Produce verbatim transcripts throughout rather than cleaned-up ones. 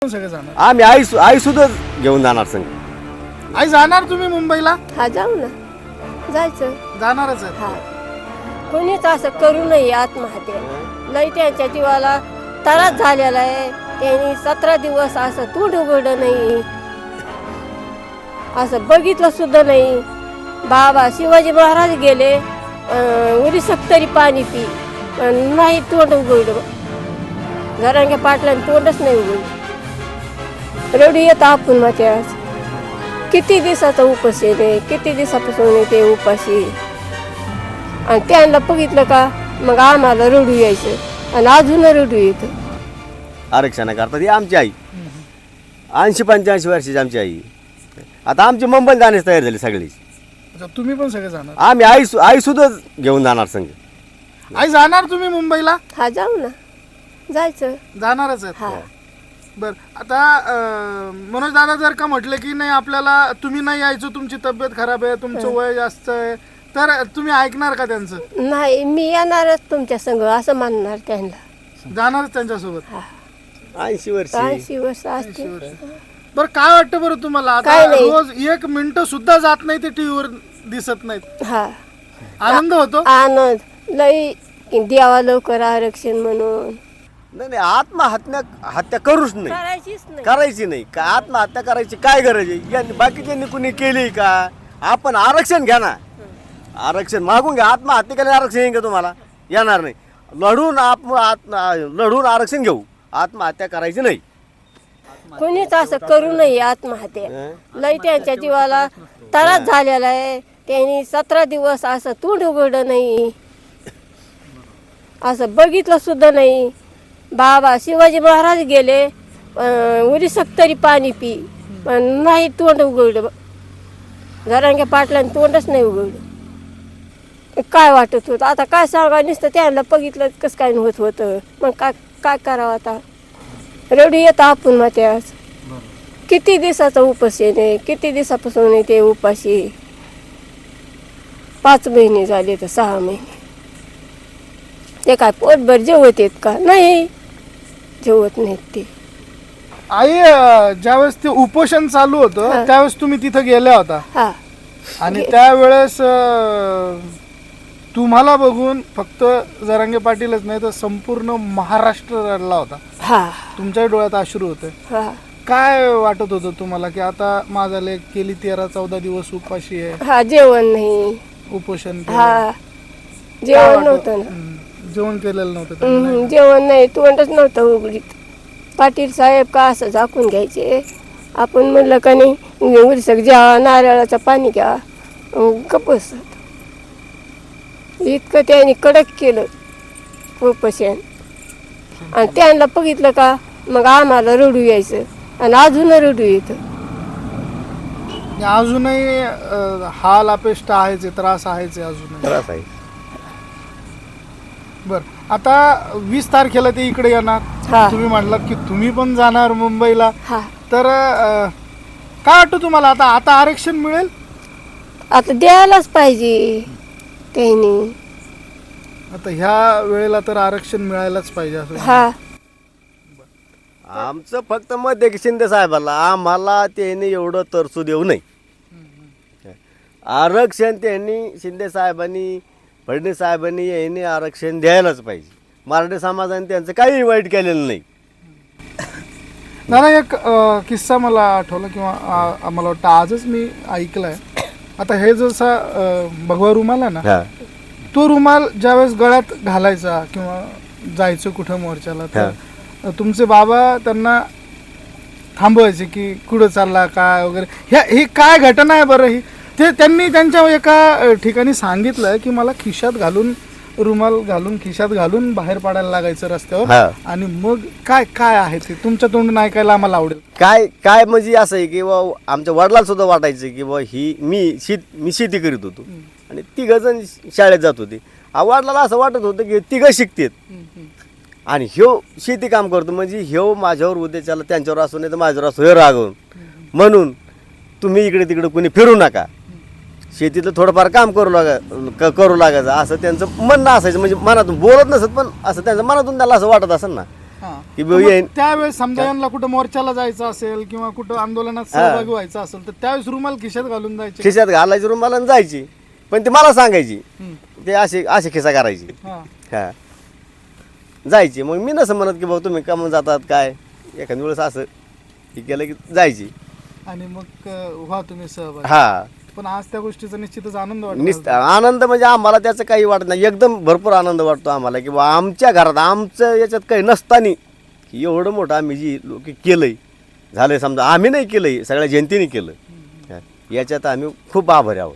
सगळे जाणार? आम्ही आई आई सुद्धा घेऊन जाणार संग. आई जाणार तुम्ही मुंबईला? हा जाऊ ना, जायचं. जाणारच आहे. हा कोणीच असं करू नये आत्महत्या. लई त्यांच्या जीवाला त्रास झालेला आहे. त्यांनी सतरा दिवस असं तोंड उघडलं नाही, असं बघितलं सुद्धा नाही. बाबा शिवाजी महाराज गेले उरी तरी पाणी पी, पण नाही तोंड उघडलं. घरांच्या पाटलांनी तोंडच नाही उघडलं. रडू येतं आपण माते. आज किती दिवसाचा उपास आहे, किती दिवसापासून येते उपाशी. आणि त्यांना बघितलं का मग आम्हाला रडू यायचं आणि अजून रडू येतं. आरक्षणाकरता ती आमची आई ऐंशी पंच्याऐंशी वर्षाची आमची आई. आता आमची मुंबईला जाण्यास तयार झाली सगळी. अच्छा, तुम्ही पण सगळे जाणार? आम्ही आई आई सुद्धा घेऊन जाणार संग. आई जाणार तुम्ही मुंबईला? हा जाऊ ना, जायचं. जाणारच हा आहे. बर, आता मनोज दादा जर का म्हटलं की नाही आपल्याला तुम्ही नाही यायचं, तुमची तब्येत खराब आहे, तुमचं वय जास्त आहे, तर तुम्ही ऐकणार का त्यांचं? नाही, मी येणारच तुमच्या संग असं म्हणणार त्यांना. जाणारच त्यांच्यासोबत? ऐंशी वर्ष ऐंशी वर्ष असते. बरं, काय वाटतं बरं तुम्हाला? आता काय नाही. रोज एक मिनिट सुद्धा जात नाही ते टीव्हीवर दिसत नाहीत, हा आनंद होतो? आनंद लई द्यावा लवकर आरक्षण म्हणून. नाही नाही, आत्महत्या हत्या करूच नाही, करायचीच नाही. करायची नाही. का आत्महत्या करायची काय गरज आहे? यांनी बाकीच्यांनी कुणी केली का? आपण आरक्षण घ्या ना, आरक्षण मागून घ्या. आत्महत्या केली आरक्षण येईल का तुम्हाला? येणार नाही. लढून आप लढून आरक्षण घेऊ, आत्महत्या करायची नाही. कोणीच असं करू नये आत्महत्या. लई त्यांच्या जीवाला त्रास झालेला आहे. त्यांनी सतरा दिवस असं तोंड उघडलं नाही, असं बघितलं सुद्धा नाही. बाबा शिवाजी महाराज गेले उरी तरी पाणी पी, पण नाही तोंड उघडलं. घरांच्या पाटलांनी तोंडच नाही उघडलं. काय वाटत होतं आता? काय सांगा, नुसतं त्यांना बघितलं कसं काय होत होतं. मग काय काय करावं आता? रडू येतं आपण माते. आज किती दिवसाचा उपास आहे, किती दिवसापासून येते उपाशी. पाच महिने झाले तर सहा महिने. ते काय पोटभर जेवत येत का? नाही, जेवत नाहीत ते. आई, अं, ज्यावेळेस ते उपोषण चालू होतं हा. त्यावेळेस तुम्ही तिथं गेल्या होता हा आणि त्यावेळेस अं, तुम्हाला बघून फक्त जरांगे पाटीलच नाही तर संपूर्ण महाराष्ट्र रडला होता. हा तुमच्या डोळ्यात अश्रू होते. हा काय वाटत होतं तुम्हाला की आता माझा लेक गेली तेरा चौदा दिवस उपाशी आहे, हा जेवण नाही. उपोषण केलं. हा काय जेवण वाटत- नव्हतं ना. हम्म, जेवण केलेलं नव्हतं त्यांनी, हम्म, नाही? जेवण नाही, तोंडच नव्हतं उघडीत. पाटील साहेब का असं झाकून घ्यायचे? आपण म्हणलं का नाही उरसक घ्या, नारळाचं पाणी घ्या, गप्पस. इतकं त्यांनी कडक केलं उपोषण. आणि त्यांना बघितलं का मग आम्हाला रडू यायचं आणि अजून रडू येतं. आणि अजूनही अं, हाल अपेष्ट आहेच आहे, त्रास आहेच आहे अजूनही. त्रास आहे. बर, आता वीस तारखेला ते इकडे येणार. हा. तुम्ही म्हटलात की तुम्ही पण जाणार मुंबईला, हा तर अं, काय वाटतं तुम्हाला? आता आता आरक्षण मिळेल? आता द्यायलाच पाहिजे त्यांनी. आता ह्या वेळेला तर आरक्षण मिळायलाच पाहिजे असं. हा आमचं फक्त मत आहे की शिंदे साहेबाला, आम्हाला त्यांनी एवढं तरसू देऊ नये. आरक्षण त्यांनी शिंदे साहेबांनी, फडणवीस साहेबांनी यांनी आरक्षण द्यायलाच पाहिजे. मराठी समाजाने त्यांचं काही वाईट केलेलं नाही. दादा, एक अं, किस्सा मला आठवला किंवा आ- मला वाटतं आजच मी ऐकलाय. आता हे जसा अं, भगवा रुमाल आहे ना, हा तो रुमाल ज्यावेळेस गळ्यात घालायचा किंवा जायचं कुठं मोर्चाला, तर तुमचे बाबा त्यांना थांबवायचे की कुठं चालला काय वगैरे. ह्या ही काय घटना आहे बरं? ही ते त्यांनी त्यांच्या एका ठिकाणी सांगितलं की मला खिशात घालून, रुमाल घालून खिशात घालून बाहेर पडायला लागायचं रस्त्यावर. हा. आणि मग काय काय आहे ते तुमच्या तोंडून ऐकायला आम्हाला आवडेल. काय काय म्हणजे असं आहे की बा आमच्या वडिलांना सुद्धा वाटायचं की बा ही मी शेत मी शेती करीत होतो आणि तिघ जण शाळेत जात होते. आ, वडिलांना असं वाटत होतं की तिघं शिकतात आणि ह्यो शेती काम करतो, म्हणजे ह्यो माझ्यावर उद्याच्याला त्यांच्यावर असो नाही तर माझ्यावर असो हे रागवून. म्हणून तुम्ही इकडे तिकडे कोणी फिरू नका, शेतीतलं थोडंफार काम करू लागा क- करू लागायचं असं त्यांचं म्हणणं असायचं. म्हणजे मनातून बोलत नसत पण असं त्यांचं मनातून त्याला असं वाटत असेल ना. हा. की तर बाबा मग हे- त्यावेळेस समजा यांना कुठं मोर्चाला जायचं असेल किंवा कुठं आंदोलनात सहभागी व्हायचं असेल तर त्यावेळेस रुमाल खिशात घालून जायचे. खिशात घालायची रुमाला आणि जायची, पण ती मला सांगायची, हम्म. ते अशी अशी खिसा करायची. हा. हा जायची. मग मी नसं म्हणत की भाऊ तुम्ही का म्हणून जातात काय, एखाद्या वेळेस असं हे केलं की जायची. आणि मग अं, व्हा तुम्ही सहभागी. हा पण आज त्या गोष्टीचा निश्चितच आनंद निस्त वाटतो. आनंद म्हणजे आम्हाला त्याचं काही वाटत नाही, एकदम भरपूर आनंद वाटतो आम्हाला की बा आमच्या घरात आमचं याच्यात काही नसताना एवढं मोठं आम्ही जी लोक केलंय झालंय, समजा आम्ही नाही केलंय, सगळ्या जनतेने केलं. हा. याच्यात आम्ही खूप आभारी आहोत.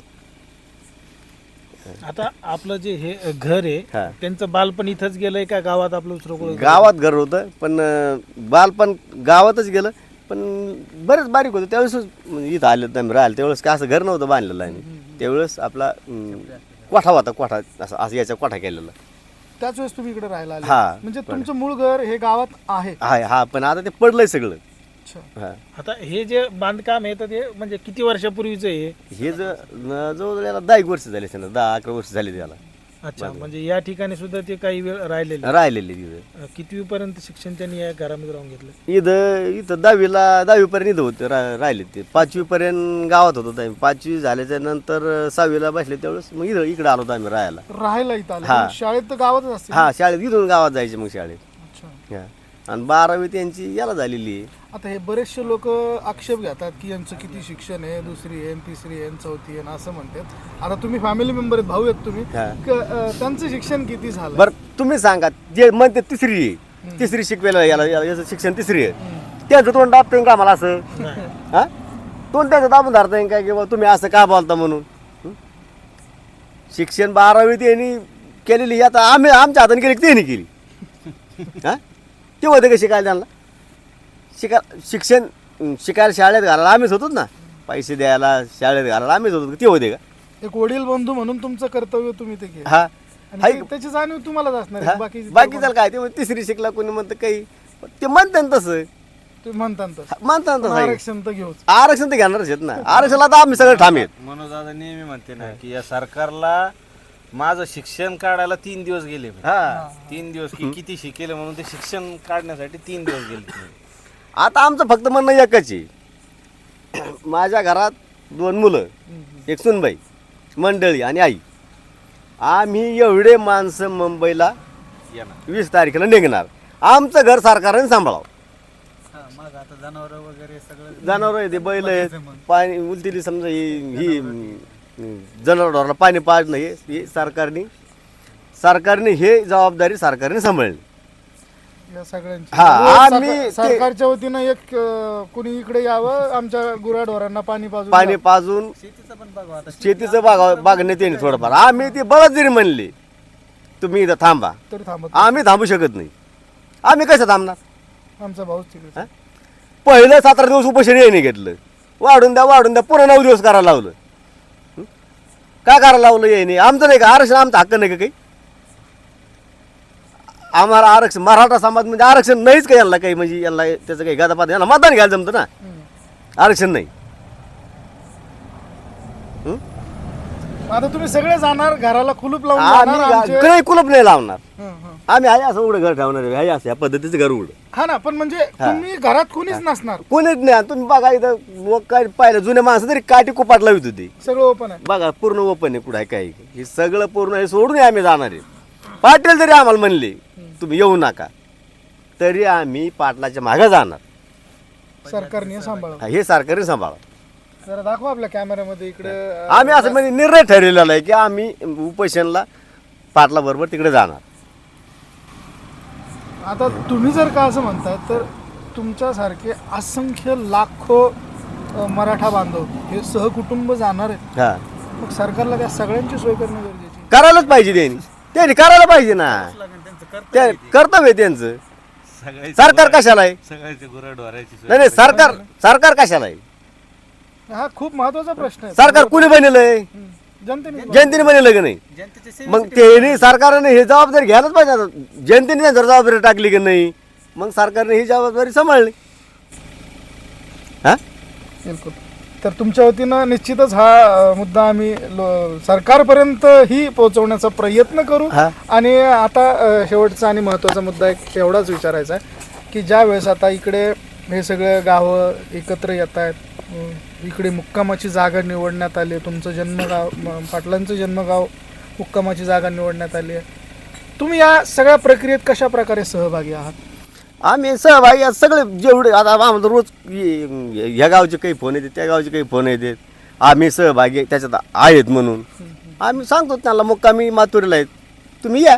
आता आपलं जे हे घर आहे हा. त्यांचं बालपण इथंच गेलंय का गावात आपलं दुसरं कोण गावात घर होतं, पण अं, बालपण गावातच गेलं, पण बरेच बारीक होतं त्यावेळेस. म्हणजे इथं आलं तर राहिलं त्यावेळेस काय असं घर नव्हतं बांधलेलं आहे. त्यावेळेस आपला अं, कोठा होता, कोठा असं असं याचा कोठा केलेला त्याच वेळेस तुम्ही इकडे राहायला आले. हा. म्हणजे तुमचं मूळ घर हे गावात आहे. आहे. हा पण आता ते पडलंय सगळं. अच्छा. हा आता हे जे बांधकाम आहे तर ते म्हणजे किती वर्षापूर्वीचं आहे? हे ज न- जवळजवळ याला दहा एक वर्ष झाले असेल, दहा अकरा वर्ष झाले त्याला अच्छा, म्हणजे या ठिकाणी सुद्धा ते काही वेळ राहिलेले. राहिलेले तिथं. कितवी पर्यंत शिक्षण त्यांनी या घरामध्ये राहून घेतलं? इथं इथं दहावीला दहावीपर्यंत इथं होते रा राहिले ते. पाचवीपर्यंत गावात होतो आम्ही. पाचवी झाल्याच्या नंतर सहावीला बसले त्यावेळेस मग इथं इकडे आलो होतो आम्ही राहायला. राहायला इथं आले. हा. पण शाळेत तर गावातच असते. हा शाळेत इथून गावात जायचे मग शाळेत. अच्छा. हा. आणि बारावी त्यांची याला झालेली आहे. आता हे बरेचसे लोक आक्षेप घेतात की यांचं किती शिक्षण आहे, दुसरी आहे, तिसरी आहे, चौथी आहे असं म्हणतात. आता तुम्ही फॅमिली मेंबर आहेत, भाऊ आहेत तुम्ही, हा. क- अं, त्यांचं शिक्षण किती झालं? बरं तुम्ही सांगा, जे म्हणते तिसरी आहे, तिसरी शिकवेला याला याला- याचं शिक्षण तिसरी आहे, त्याचं तोंड दाबतोय का आम्हाला असं? हा तोंड त्याचं दाबून धरताय काय किंवा तुम्ही असं का बोलता म्हणून? हं? शिक्षण बारावी त्यांनी केलेली, आता आम्ही आमच्या हाताने केली की त्यांनी केली. हा ते होते का शिकायला त्यांना? शिका शिक्षण अं, शिकायला शाळेत घालायला आम्हीच होतो ना, पैसे द्यायला शाळेत घालायला आम्हीच होतो. ते होते का? एक वडील बंधू म्हणून तुमचं कर्तव्य तुम्ही ते केलं. हा आणि हाय. ते- त्याची जाणीव तुम्हालाच असणार हा? आहे. बाकी बाकी त्याला काय ते म्हणते तिसरी शिकला कोणी म्हणतं काही, ते म्हणतात ना तसं, तुम्ही म्हणता तसं. म्हणतात ना तसं आहे. आरक्षण तर घेऊच. आरक्षण तर घेणारच आहेत ना. आरक्षणाला तर आम्ही सगळं ठाम आहेत. मनोज दादा नेहमी म्हणते ना की या सरकारला माझं शिक्षण काढायला तीन दिवस गेले. हा तीन दिवस की किती शिकेल म्हणून ते शिक्षण काढण्यासाठी तीन दिवस गेले. आता आमचं फक्त म्हणणं एकच आहे, माझ्या घरात दोन मुलं, एक सुनबाई, मंडळी आणि आई. आम्ही एवढे माणसं मुंबईला येणार. वीस तारखेला निघणार. आमचं घर सरकारने सांभाळावं. मग आता जनावर वगैरे सगळं जनावर आहे ते, बैल आहेत, पाणी उलतीली समजा ही ही जनावरांना पाणी पाजणं हे हे सरकारने सरकारने हे जबाबदारी सरकारने सांभाळली. या सगळ्यांची हा, रोज आम्ही सरकार- ते- सरकारच्या वतीनं एक अं, कुणी इकडे यावं, आमच्या गुराढोरांना पाणी पाजून पाणी द्यावं. पाजून शेतीचं पण बघा आता. शेतीचं बागा बागण्यात येणे थोडंफार. आम्ही ते बळच जरी म्हणले तुम्ही इथं थांबा, तरी थांबत आम्ही थांबू शकत नाही. आम्ही कसं थांबणार? नाही. आमचा भाऊच तिकडे. हा? पहिलं सतरा दिवस उपोषण याने घेतलं, वाढून द्या वाढून द्या, पुन्हा नऊ दिवस करायला लावलं. हं? काय करायला लावलं याने? आमचं नाही का आरक्षण? आमचा हक्क नाही का काही? आम्हाला आरक्षण, मराठा समाज म्हणजे आरक्षण नाहीच का यांना काही? म्हणजे यांना त्याचं काही गादापात, यांना मतदान घ्यायला जमतं ना, आरक्षण नाही. हं? आता तुम्ही सगळे जाणार, घराला कुलूप लावून आम्ही जाणार आमचे. गा- काही कुलप नाही लावणार. हं, हं. आम्ही आहे असं उघडं घर ठेवणार आहे, आहे असं या पद्धतीचं घर उघडं. हा ना, पण म्हणजे तुम्ही घरात कोणीच नसणार, कोणीच नाही. तुम्ही बघा इथं लोक काय पाहिलं, जुन्या माणसं तरी काठी कुपाट लावित होती. आहे सगळं ओपन आहे. बघा पूर्ण ओपन आहे, कुठं आहे काय हे सगळं पूर्ण हे सोडून आम्ही जाणार आहे. पाटील जरी आम्हाला म्हणले तुम्ही येऊ नका, तरी आम्ही पाटलाच्या मागे जाणार. सरकारने सांभाळा. हा, हे सरकारने सांभाळा. जरा दाखवा आपल्या कॅमेऱ्यामध्ये इकडे. अं, आम्ही असं म्हणजे निर्णय ठरवलेला आहे की आम्ही उपोषणला पाटला बरोबर तिकडे जाणार. आता तुम्ही जर का असं म्हणताय तर तुमच्यासारखे असंख्य लाखो अं, मराठा बांधव हे सहकुटुंब जाणार आहेत. हा मग सरकारला त्या सगळ्यांची सोय करणं गरजेची आहे. करायलाच पाहिजे त्यांनी त्यांनी करायला पाहिजे ना. त्या कर्तव्य आहे त्यांचं. सगळ्याची सरकार कशाला आहे? सगळ्याची गुराढोराची सोय. नाही नाही सरकार सरकार कशाला आहे? हा खूप महत्वाचा प्रश्न आहे. सरकार कुणी बनवलंय? हं. जनतेने जनतेने बनवलं की नाही? मग त्यांनी सरकारने हे जबाबदारी घ्यायलाच पाहिजे. आता जनतेने जर जबाबदारी टाकली की नाही, मग सरकारने ही जबाबदारी सांभाळली. हा बिलकुल. तर तुमच्या वतीनं निश्चितच हा अ, मुद्दा आम्ही लो- सरकारपर्यंत ही पोहोचवण्याचा प्रयत्न करू. हा. आणि आता अ, शेवटचा आणि महत्त्वाचा मुद्दा एक एवढाच विचारायचा आहे की ज्या वेळेस आता इकडे हे सगळे गावं एकत्र येत आहेत, इकडे मुक्कामाची जागा निवडण्यात आली आहे, तुमचं जन्मगाव म- पाटलांचं जन्मगाव मुक्कामाची जागा निवडण्यात आली आहे, तुम्ही या सगळ्या प्रक्रियेत कशा प्रकारे सहभागी आहात? आम्ही सहभागी आहोत सगळे जेवढे आता आम्हाला रोज ये- ह्या गावचे काही फोन येते त्या गावचे काही फोन येतात, आम्ही सहभागी त्याच्यात आहेत म्हणून आम्ही सांगतो त्यांना मुक्कामी माथुरीला आहेत, तुम्ही या.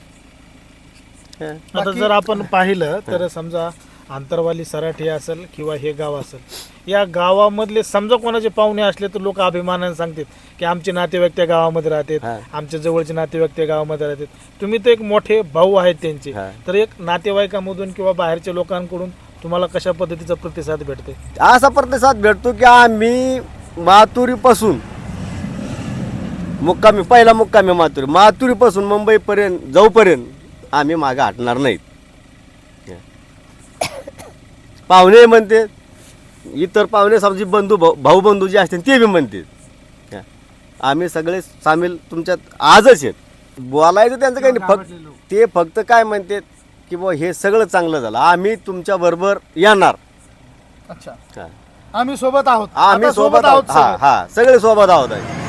हं. आता जर आपण पाहिलं तर समजा आंतरवाली सराठी असेल किंवा हे गाव असेल, या गावामधले समजा कोणाचे पाहुणे असले तर लोक अभिमानाने सांगतात की आमचे नातेवाईक त्या गावामध्ये राहतात, हा. आमच्या जवळचे नातेवाईक त्या गावामध्ये राहतात. तुम्ही तर एक मोठे भाऊ आहेत त्यांचे, हा. तर एक नातेवाईकामधून किंवा बाहेरच्या लोकांकडून तुम्हाला कशा पद्धतीचा प्रतिसाद भेटते? असा प्रतिसाद भेटतो की आम्ही माथुरीपासून मुक्कामी पहिला मुक्कामी माथुरी माथुरीपासून मुंबईपर्यंत जाऊपर्यंत आम्ही मागे हटणार नाहीत. पाहुणे म्हणते, इतर पाहुणे समजी बंधू भाऊ भाऊ बंधू जे असतील ते बी म्हणते आम्ही सगळे सामील तुमच्यात आजच आहेत. बोलायचं त्यांचं काही नाही, फक्त ते फक्त काय म्हणतात की बुवा हे सगळं चांगलं झालं, आम्ही तुमच्या बरोबर येणार. अच्छा, हा. आम्ही सोबत आहोत, आम्ही आता सोबत आहोत. हा सगळे. हा सगळे सोबत आहोत आहे.